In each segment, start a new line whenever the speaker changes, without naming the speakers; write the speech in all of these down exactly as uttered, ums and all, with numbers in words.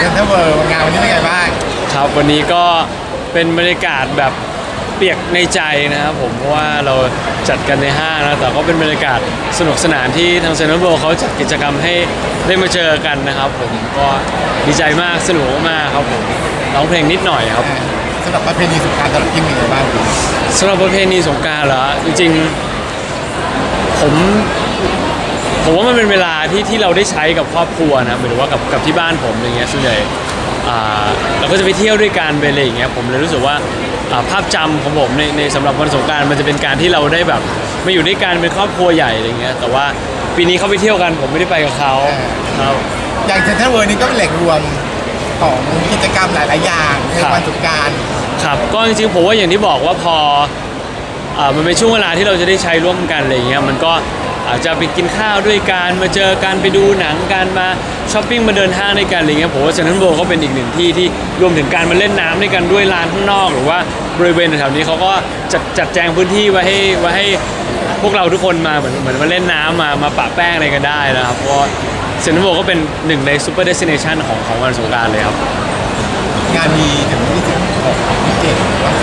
ซ็นทรัลเวิลด์งานวันนี้เป็นไงบ้าง
ครับวันนี้ก็เป็นบรรยากาศแบบเปียกในใจนะครับผมเพราะว่าเราจัดกันในห้างนะแต่ก็เป็นบรรยากาศสนุกสนานที่ทางเซ็นทรัลเวิลด์เขาจัดกิจกรรมให้ได้มาเจอกันนะครับผมก็ดีใจมากสนุกมากครับผมร้องเพลงนิดหน่อยครับ
สำหรับประเพณีสงกรานต์สำหรับกิมเป็นไงบ้าง
สำหรับประเพณีสงกรานต์เหรอจริงๆผมผมว่ามันเป็นเวลาที่ที่เราได้ใช้กับครอบครัวนะหมายถึงว่ากับกับที่บ้านผมอย่างเงี้ยส่วนใหญ่เราก็จะไปเที่ยวด้วยกันไปอะไรอย่างเงี้ยผมเลยรู้สึกว่าภาพจำของผมในในสำหรับวันสงกรานต์มันจะเป็นการที่เราได้แบบมาอยู่ด้วยกันเป็นครอบครัวใหญ่อะไรเงี้ยแต่ว่าปีนี้เขาไปเที่ยวกันผมไม่ได้ไปกับเขาครับ
อย่างเซ็นทรัลเวิลด์นี่ก็เป็นแหล่งรวมของกิจกรรมหลายๆอย่างในวันสงกรานต์
ครับก็จริงๆผมว่าอย่างที่บอกว่าพอมันเป็นช่วงเวลาที่เราจะได้ใช้ร่วมกันอะไรเงี้ยมันก็อาจจะไปกินข้าวด้วยกันมาเจอกันไปดูหนังกันมาช้อปปิ้งมาเดินห้างด้วยกันอะไรเงี้ยผมว่าเซ็นทรัลเวิลด์ก็เป็นอีกหนึ่งที่ที่รวมถึงการมาเล่นน้ำด้วยกันด้วยลานข้างนอกหรือว่าบริเวณแถวนี้เขาก็จัดจัดแจงพื้นที่ไว้ให้ไว้ให้พวกเราทุกคนมาเหมือนเหมือนมาเล่นน้ำมามาปะแป้งอะไรกันได้นะครับเพราะเซ็นทรัลเวิลด์ก็เป็นหนึ่งในซูเปอร์เดสติเนชันของของวันสงกรานต์เลยครับ
งานมีถึงที่สิบหกที่เจ็ด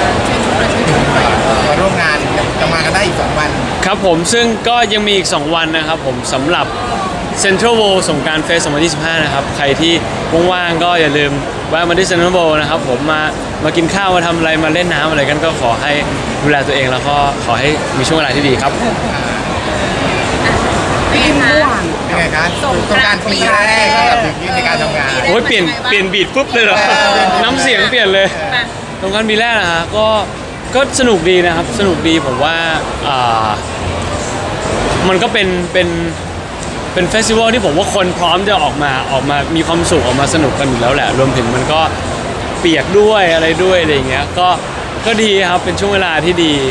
มาร่วมงานจะมากันได้อีกสองวัน
ครับผมซึ่งก็ยังมีอีกสองวันนะครับผมสำหรับ Central World สงกรานต์เฟสสองพันยี่สิบห้านะครับใครที่ว่างๆก็อย่าลืมแวะมาที่ Central World นะครับผมมามากินข้าวมาทำอะไรมาเล่นน้ำอะไรกันก็ขอให้ดูแลตัวเองแล้วก็ขอให้มีช่วงเวลาที่ดีครับ
เป็นไงเป็นไงครับสงกรานต์ปีแรกสำหรับถึงในการทำงาน
โอ้ยเปลี่ยนเปลี่ยนบีทปุ๊บเลยเหรอน้ำเสียงเปลี่ยนเลยสงกรานต์ปีแรกนะฮะก็ก็สนุกดีนะครับสนุกดีผมว่าอ่ามันก็เป็นเป็นเป็นเฟสติวัลที่ผมว่าคนพร้อมจะออกมาออกมามีความสุขออกมาสนุกกันอยู่แล้วแหละรวมถึงมันก็เปียกด้วยอะไรด้วยอะไรอย่างเงี้ยก็ก็ดีครับเป็นช่วงเวลาที่ดี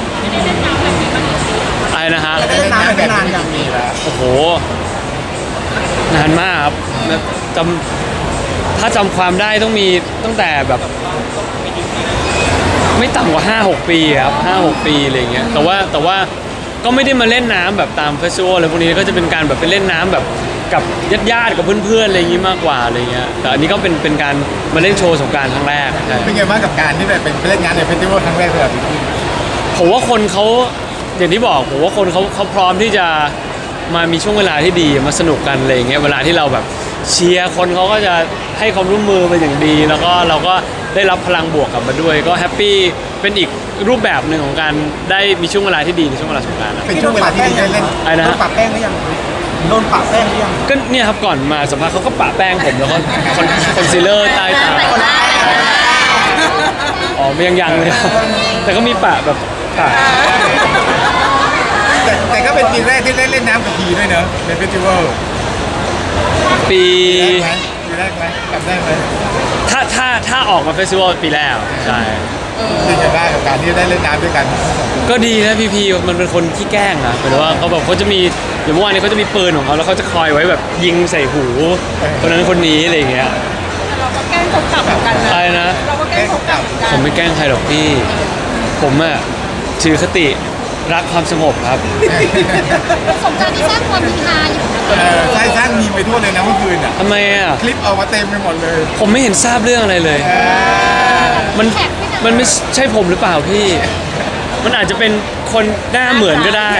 อะไรนะฮะ
เล่นน้ำกันนานอย่างนี้แล้ว
โอ้โหนานมากครับจำถ้าจำความได้ต้องมีตั้งแต่แบบไม่ต่ำกว่า ห้าหก ปีครับ ห้าหก ปีอะไรเงี้ยแต่ว่าแต่ว่าก็ไม่ได้มาเล่นน้ำแบบตามเฟสติวัลอะไรพวกนี้ก็จะเป็นการแบบไปเล่นน้ำแบบกับญาติๆกับเพื่อนๆอะไรอย่างงี้มากกว่าอะไรเงี้ยแต่อันนี้ก็เป็นเป็นการมาเล่นโชว์สงกรานต์ครั้งแรก
เป็นไงบ้างกับการที่แบบเป็นเล่นงานในเฟสติวัลครั้งแรกสำหรับพี่
ผมว่าคนเขาอย่างที่บอกผมว่าคนเขาเขาพร้อมที่จะมามีช่วงเวลาที่ดีมาสนุกกันอะไรเงี้ยเวลาที่เราแบบเชียร์คนเขาก็จะให้ความร่วมมือเป็นอย่างดีแล้วก็เราก็ได้รับพลังบวกกลับมาด้วยก็แฮปปี้เป็นอีกรูปแบบหนึ่งของการได้มีช่วงเวลาที่ดีในช่วงเวลาสงกรานต์
เป็นช่วงเวลาที่ดีเล่น
อะไรนะ
โดนปะแป้งหรือยังโดนปะแป้งหรือยัง
ก็เนี่ยครับก่อนมาสัมภาษณ์เขาก็ปะแป้งผมแล้วก็คอนคอนซีลเลอร์ใต้ตาอ๋อยังยังเลยแต่ก็มีปะแบบปะ
แต่แต่ก็เป็นปีแรกที่ได้เล่นน้ำกับพีด้วยเนอะในเฟสติวัล
ปี
ปีแรกไหมกลับได้ไหม
ถ้าถ้าถ้าออกมาเฟสติวัลปีแรกใช่
ดีจะได้กับการที่ได้เล่นน้ำด้วยกัน
ก็ดีนะพี่พีมันเป็นคนขี้แกล้งอะหมายถึงว่าเขาแบบเขาจะมีอย่างเมื่อวานนี้เขาจะมีปืนของเขาแล้วเขาจะคอยไว้แบบยิงใส่หูคนนั้นคนนี้อะไรอย่างเงี้ย
เราก็แกล้งเขากลับเหมือนกันนะ
อะไรนะ
เราก็แกล้งเขากลับ
ผมไม่แกล้งใครหรอกพี่ผมอะถือคติรักความสงบครับ
สงกรานต์ที่สร้างความฮือฮาอยู่
ใช่สร้างมีไปทั่วเลยนะเมื่อคืนอ่ะ
ทำไมอ่ะ
คลิปออกมาเต็มไปหมดเลย
ผมไม่เห็นทราบเรื่องอะไรเลยมันมันไม่ใช่ผมหรือเปล่าพี่มันอาจจะเป็นคนหน้าเหมือนก็ได้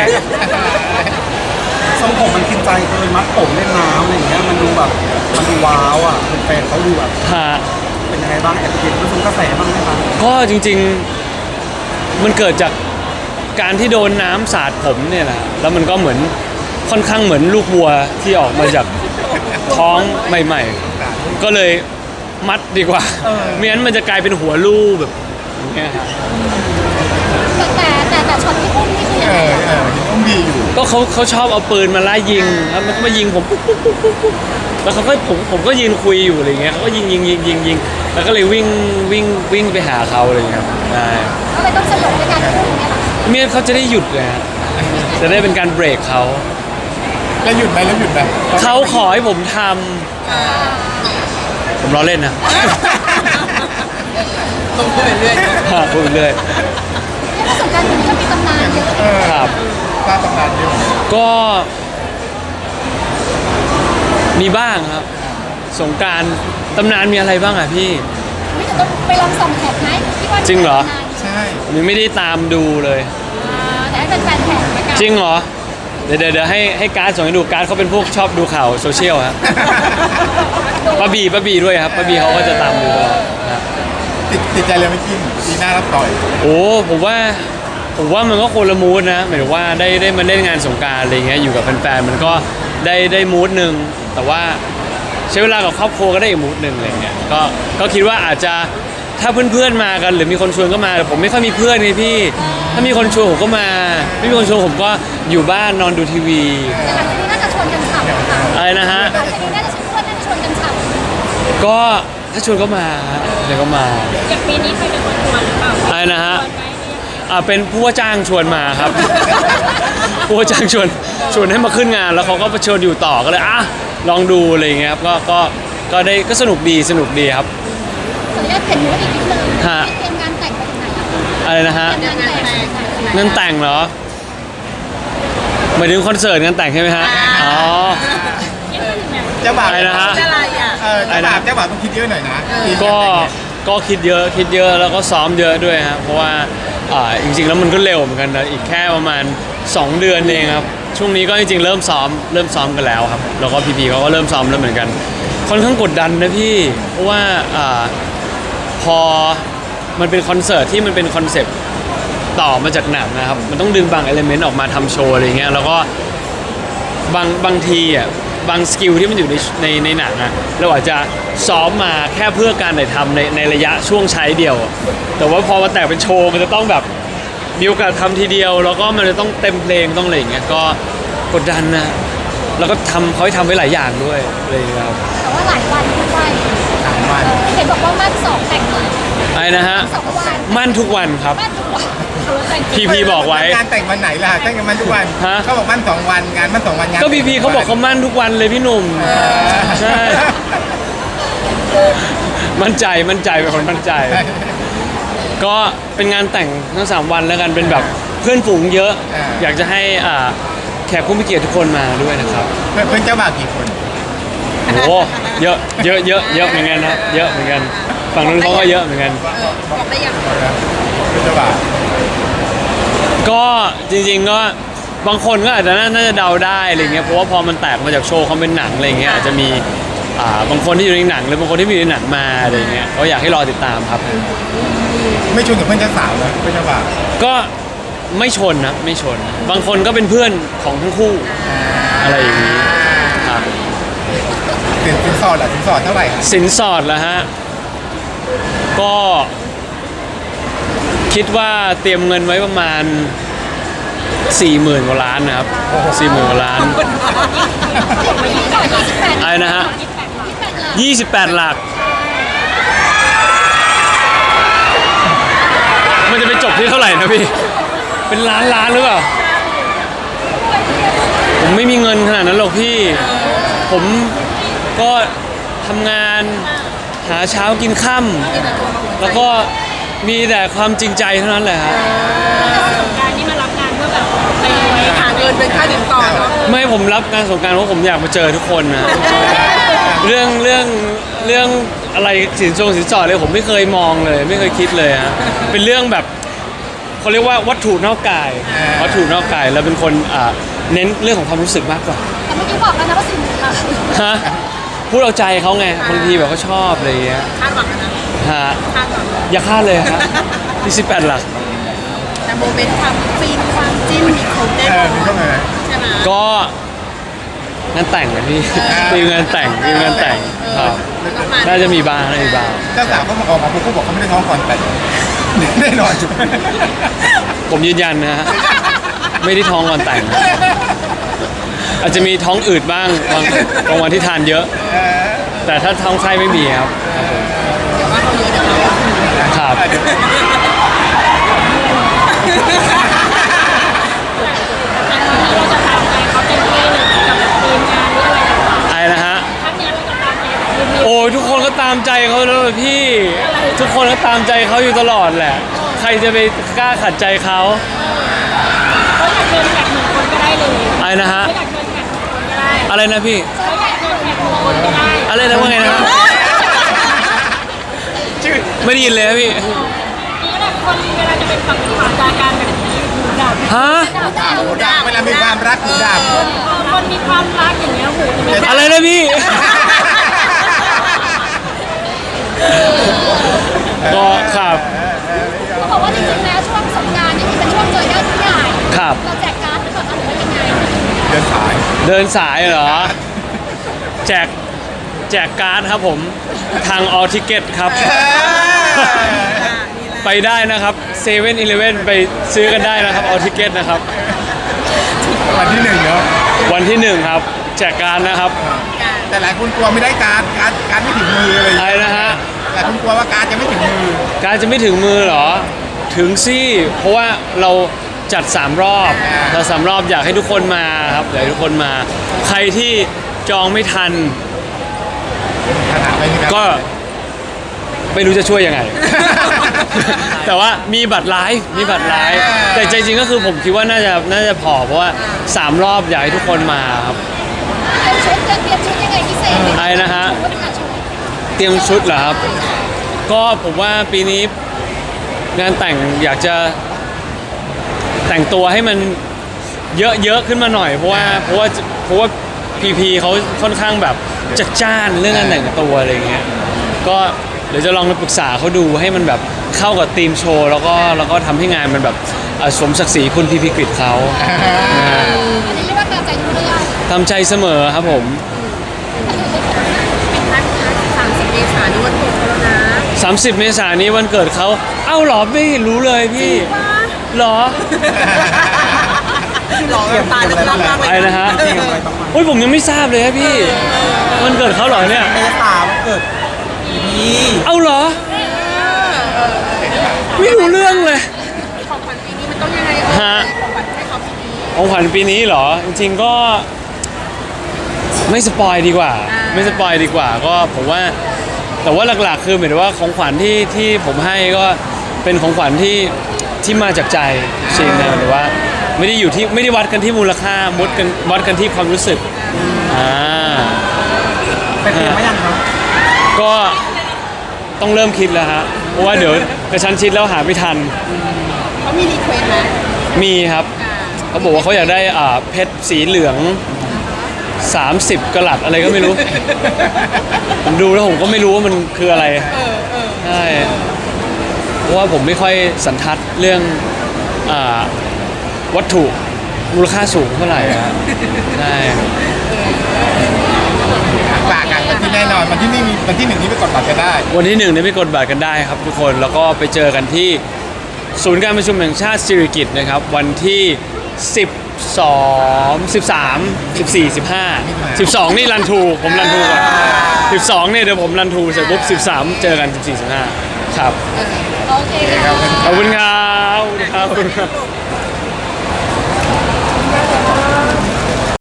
ทรงผมมันกินใจเลยมัดผมเล่นน้ำอะไรอย่างเงี้ยมันดูแบบมันดูว้าวอ่ะเป็นแฟนเขาดูแบบเป็นยังไงบ้างแอบเห็นมันทรงกระแสบ้างไหมครับ
ก็จริงๆมันเกิดจากการที่โดนน้ำสาดผมเนี่ยแหละแล้วมันก็เหมือนค่อนข้างเหมือนลูกวัวที่ออกมาจากท้องใหม่ๆก็เลยมัดดีกว่าไม่งั้นมันจะกลายเป็นหัวลูกแบบอย่างเงี้ยครับ
แต่แต่แต่ช็อตที่อุ้มนี่คือยังไงอะ
อุ้มดีอยู่
ก็เขาเขาชอบเอาปืนมาไล่ยิงแล้วมันก็มายิงผมปุ๊บปุ๊บปุ๊บปุ๊บปุ๊บแล้วเขาก็ผมผมก็ยืนคุยอยู่อะไรเงี้ยเขาก็ยิงยิงยิงยิงยิงแล้วก็เลยวิ่งวิ่งวิ่งไปหาเขาอะไรเงี้ยใช่
ก็เลยต้องสยบในการอุ้มเนี่ย
เมียเขาจะได้หยุดเลยจะได้เป็นการเบรกเขา
แล้วหยุดไหมแล้วหยุดไหม
เขาขอให้ผมทำผมล้อเล่นนะ
ต้องพูดเรื่อย
ๆพูดเรื่อย
สงกรานต์นี้ก็มีตำนานเยอะ
ครับ
สร้างตำนานเยอะ
ก็มีบ้างครับสงกรานต์ตำนานมีอะไรบ้างอ่ะพี่
ไม่จะต้องไปลองส่องแท็กไหมพี่ว่า
จริงเหรอ
ใช่
ผมยังไม่ได้ตามดูเลย
อ่าแต่ให้เป็นแฟนแท็กละกัน
จริงเหรอ เดี๋ยวเดี๋ยวเดี๋ยวให้ให้การ์ดส่งให้ดูการ์ดเขาเป็นพวกชอบดูข่าวโซเชียลครับป้าบีป้าบีด้วยครับป้าบีเขาก็จะตามดูตลอดนะครับ
ติดติดใจเลยไม่กินปีหน้ารับต่อย
โอ้ผมว่าผมว่ามันก็คนละมูดนะหมายถึงว่าได้ได้มาเล่นงานสงกรานต์อะไรเงี้ยอยู่กับแฟนๆมันก็ได้ได้มูดหนึ่งแต่ว่าใช้เวลากับครอบครัวก็ได้อีกมูดหนึ่งอะไรเงี้ยก็ก็คิดว่าอาจจะถ้าเพื่อนๆมากันหรือมีคนชวนก็มาแต่ผมไม่ค่อยมีเพื่อนไงพี่ ถ้ามีคนชวนผมก็มาไม่มีคนชวนผมก็อยู่บ้านนอนดูทีวี
แต่หลังจากนี้น่าจะชวนกันฉ่ำค่ะ
อะไรนะฮะ
หลังจากนี้น่าจะชวนน่าจะชวนกันฉ่ำ
ก็ถ้าชวนก็มาฮะเดี๋ยวก็มา
อย่างปีนี้ใครเป็นคนชวนหรือเปล่า
อะไรนะฮะ
ชวนไหมหรือยังไง
อ่าเป็นผู้ว่าจ้างชวนมาครับ ผู้ว่าจ้างชวนชวนให้มาขึ้นงานแล้วเขาก็ชวนอยู่ต่อก็เลยอ่ะลองดูอะไรอย่างเงี้ยครับก็ก็ก็ได้ก็สนุกดีสนุกดีครับ
ขออนุญาตเปลี่ยนมูดอีกนิดนึง
ฮะ
เตรียมงานแต่งไปถึงไหนอะคะ
อะไรนะฮะ
เตรียมงานแต่งไปถึงไหน
งานแต่งเหรอหมายถึงคอนเสิร์ตงานแต่งใช่ไหมฮะอ๋อ
เจ้าบ่าว
อะไรนะฮะ
อะไรอ่ะ
เออเจ้าบ่าวเจ้าบ่าวต้องคิดเยอะหน่อยนะปีหน้า
ก็ก็คิดเยอะคิดเยอะแล้วก็ซ้อมเยอะด้วยครับเพราะว่าอ่าจริงๆแล้วมันก็เร็วเหมือนกันนะอีกแค่ประมาณสองเดือนเองครับช่วงนี้ก็จริงๆเริ่มซ้อมเริ่มซ้อมกันแล้วครับแล้วก็พีพีเขาก็เริ่มซ้อมแล้วเหมือนกันค่อนข้างกดดันนะพี่เพราะว่าอ่าพอมันเป็นคอนเสิร์ตที่มันเป็นคอนเซปต์ต่อมาจากหนังนะครับมันต้องดึงบางเอลิเมนต์ออกมาทำโชว์อะไรเงี้ยแล้วก็บางบางทีอ่ะบางสกิลที่มันอยู่ในในในหนังอะเราอาจจะซ้อมมาแค่เพื่อการถ่ายทำในในระยะช่วงใช้เดียวอะแต่ว่าพอมาแต่งเป็นโชว์มันจะต้องแบบมีโอกาสทำทีเดียว แล้วก็มันจะต้องเต็มเพลงต้องอะไรอย่างเงี้ยก็กดดันนะแล้วก็ทำเขาให้ทำไว้หลายอย่างด้วยอะไรอย่างเลยครับ
แต่ว่าหลายวันด้วย
สามวัน
เออเห็นบอกว่ามั่นสองแต่งเลย
อะไรนะฮะ
สองวัน
มั่นทุกวันครับ
มั่นทุกวันแต่ง
พีพีบอกไว้
งานแต่งวันไหนล่ะแต่งกันมันทุกวัน
ฮะ
เขาบอกมันสองวันงานมันสองวันงาน
ก็พีพีเขาบอกเขามั่นทุกวันเลยพี่หนุ่ม
เออ
ใช่ มั่นใจมั่นใจเป็นคนมั่นใจ ก็เป็นงานแต่งทั้งสามวันแล้วกันเป็นแบบเพื่อนฝูงเยอะ อยากจะให้อ่าแขกผู้มีเกียรติทุกคนมาด้วยนะครับ
เพื่อนเพื่อนเจ้าบ่าวกี่คน
โอ้โหเยอะเยอะเยอะเยอะเหมือนกันนะเยอะเหมือนกันฝั่งนู้นเขาก็เยอะเหมือนกัน
บอกได้ยัง
เพื่อนเจ้าบ่าว
ก็จริงๆก็บางคนก็อาจจะน่าน่าจะเดาได้อะไรเงี้ยเพราะว่าพอมันแตกมาจากโชว์เขาเป็นหนังอะไรเงี้ยอาจจะมีอ่าบางคนที่อยู่ในหนังหรือบางคนที่ไม่อยู่ในหนังมาอะไรเงี้ยก็อยากให้รอติดตามครับ
ไม่ชวนกับเพื่อนเจ้าสาวนะเพื่อนเจ้าบ่าว
ก็ไม่ชนนะไม่ชน บางคนก็เป็นเพื่อนของทั้งคู่อะไรอย่างนี้ครับ
สินสินสอดเหรอสินสอดเท่าไหร่ครับ
สินสอดแล้วฮะก็คิดว่าเตรียมเงินไว้ประมาณสี่หมื่นกว่าล้านนะครับสี่หมื่นกว่าล้าน อะไรนะฮะ ยี่สิบแปดหลัก มันจะไปจบที่เท่าไหร่นะพี่ เป็นล้านล้านหรือเปล่า ผมไม่มีเงินขนาดนั้นหรอกพี่ ผมก็ทำงานหาเช้ากินค่ำแล้วก็มีแต่ความจริงใจเท่านั้นแหละครับ
การนี่มารับงานเพื่อแบบไปหาเงินเป็นค่าสินสอดเนาะ
ไม่ผมรับงานสงกรานต์เพราะผมอยากมาเจอทุกคนนะ เรื่องเรื่องเรื่องอะไรสินทรงสินสอดเลยผมไม่เคยมองเลย ไม่เคยคิดเลยฮะเป็นเรื่องแบบเขาเรียกว่าวัตถุนอกกาย วัตถุนอกกายเราเป็นคนอ่าเน้นเรื่องของความรู้สึกมากกว่า
แต่เมื่อกี้บอกแล้วนะว่าสี่หมื่นค่ะ
ฮะพูดเอาใจเขาไงบางทีแบบเขาชอบอะไรอย่างเงี้ย
คาดหวังนะ
ฮะ
คาดหวัง
อย่าคาดเลยครับที่สิบแปดหลัก
แต่โมเมนต์ความฟินความจิ้นมีครบแน่
เอน
อ
อน มีเข้ามาไหม
ใช่ไหม
ก็งานแต่งนะพี่มีงานแต่งมีงานแต่งครับน่าจะมีบ้างน่าจะมีบ้าง
เจ้าสาวเขามาออกมาพูดเขาบอกเขาไม่ได้ท้องก่อนแต่งแน่นอน
ผมยืนยันนะฮะไม่ได้ท้องก่อนแต่งนะอาจจะมีท้องอืดบ้างบางบางวันที่ทานเยอะ
เออ
แต่ถ้าท้องไส้ไม่มีครับ
เดี๋ยวว่าเขาเยอะเดี๋ยวเรา
ครับ
เดี๋ยว
เราจะตามใจเขาเต็มที่เลยกับทีมงานหรืออะไรต่าง
อะไรนะฮะ
ๆครั้งนี้เราจะตามใจทีม
โอ้ยทุกคนก็ตามใจเขาแล้วเลยพี่ ทุกคนก็ตามใจเขาอยู่ตลอดแหละ ใครจะไปกล้าขัดใจเขา
เขาอยากเชิญแขกหนึ่งคนก็ได้เลย
อะไรนะฮะ
เขาอยากเชิญแขกหนึ่งคนก็ได้
อะไรนะพี่
เขาอยากเชิญแขกหนึ่งคนก็ได้
อะไรนะว่าไงนะฮะไม่ได้ยินเลยครับพี่
นี่แหละคนเวลาจะเป็นฝั่งขวาจากการแบบนี้หูดับ
ฮะ
หูดับเวลามีความรักหูดับ
คนมีความรักอย่างเงี้ยหูจะไม่
อะไรนะพี่ ก็ครับ
เขาบอกว่าจริงๆแล้วช่วงสงกรานต์นี่มันเป็นช่วงเจอญาติผู้ใหญ่
ครับ
เราแจกการ์ดหรือเปล่าคะหรือว่ายังไง
เดินสาย
เดินสายเหรอ แจกแจกการ์ดครับผมทางออทิเกตครับ ไปได้นะครับเซเว่นอีเลฟเว่นไปซื้อกันได้นะครับออทิเกตนะครับ
วันที่หนึ่งเนาะ
วันที่หนึ่งครับ แจกการ์ดนะครับ
แต่หลายคนกลัวไม่ได้การดการดการดไม่ถึงมืออะไรอย่าง
อะไร
เงี้ย
นะฮะ
หลายคนกลัวว่าการดจะไม่ถึงมือ
การจะไม่ถึงมือเหรอ ถึงสิเพราะว่าเราจัดสามรอบเราสามรอบอยากให้ทุกคนมาครับอยากให้ทุกคนมา ใครที่จองไม่ทัน
ขนาดไม่มีการ
ก็ไม่รู้จะช่วยยังไง แต่ว่ามีบัตรไลฟ์มีบัตรไลฟ์แต่ใจจริงก็คือผมคิดว่าน่าจะน่าจะพอเพราะว่าสามรอบอยากให้ทุกคนมาครับ
เตรียมชุดเตรียมชุดยังไงพิเศษ
อะไรนะฮะ
ว่าเป็นการชุด
เตรียมชุดเหรอครับ ก็ผมว่าปีนี้งานแต่งอยากจะแต่งตัวให้มันเยอะๆขึ้นมาหน่อย เพราะว่าเพราะว่าเพราะว่าพีพีเขาค่อนข้างแบบจัดจ้านเรื่องการแต่งตัวอะไรอย่างเงี้ยก็เดี๋ยวจะลองไปปรึกษาเขาดูให้มันแบบเข้ากับธีมโชว์แล้วก็แล้วก็ทำให้งานมันแบบเอ่อสมศักดิ์ศรีคุณพีพีกฤษเขานะฮะ
อันนี้เรียกว่าการใจทุกเรื่อง
ตามใจเสมอครับผม
เป็นนักสามสิบเมษายนวันเกิดเขาแล้วนะ
สามสิบ เมษายนนี้วันเกิดเขาเอ้าเหรอไม่รู้เลยพี่เหรอ
หล่อแบบตาลึกลับมากเลย
อะไรนะฮะ
เตรียมอะไรบ้างไหม
โอ้ยผมยังไม่ทราบเลยครับพี่วันเกิดเขาเหรอเนี่ย
เมษาวันเกิดพี่
เอ้าเหรอไม่รู้เรื่องเลย
ของขวัญปีนี้มันต้องยังไงเออ
ฮะ
ของขวัญให้เขาปีนี้
ของขวัญปีนี้เหรอ จริงๆก็ไม่สปอยดีกว่า ไม่สปอยดีกว่า ก็ผมว่าแต่ว่าหลักๆ คือหมายถึงว่าของขวัญที่ที่ผมให้ก็เป็นของขวัญที่ที่มาจากใจจริงนะหรือว่าไม่ได้อยู่ที่ไม่ได้วัดกันที่มูลค่าวัดกันวัดกันที่ความรู้สึกอ่า
เป็นเตรียมไหมยังครับ
ก็ต้องเริ่มคิดแล้วฮะเพราะว่าเดี๋ยวกระชั้นชิดแล้วหาไม่ทัน
เขามีรีเควสต์ไหม
มีครับเขาบอกว่าเขาอยากได้อ่าเพชรสีเหลือง สามสิบกะลัดอะไรก็ไม่รู้ ผมดูแล้วผมก็ไม่รู้ว่ามันคืออะไรใช่เพราะว่าผมไม่ค่อยสันทัดเรื่องอ่าวัตถุมูลค่าสูงเท่าไหร่อะใช่
ฝากกันวันที่แน่นอนวันที่นี่มีวันที่หนึ่งนี้ไปกดบัตรกันได้
วันที่หนึ่งเนี่ยไปกดบัตรกันได้ครับทุกคนแล้วก็ไปเจอกันที่ศูนย์การประชุมแห่งชาติสิริกิติ์นะครับวันที่สิบสองสิบสามสิบสี่สิบห้าสิบสองนี่รันทูผมรันทูก่อนสิบสองเนี่ยเดี๋ยวผมรันทูเสร็จปุ๊บสิบสามเจอกันสิบสี่สิบห้าครับ
โอเคค่ะ
ขอบคุณครับขอบคุณครับ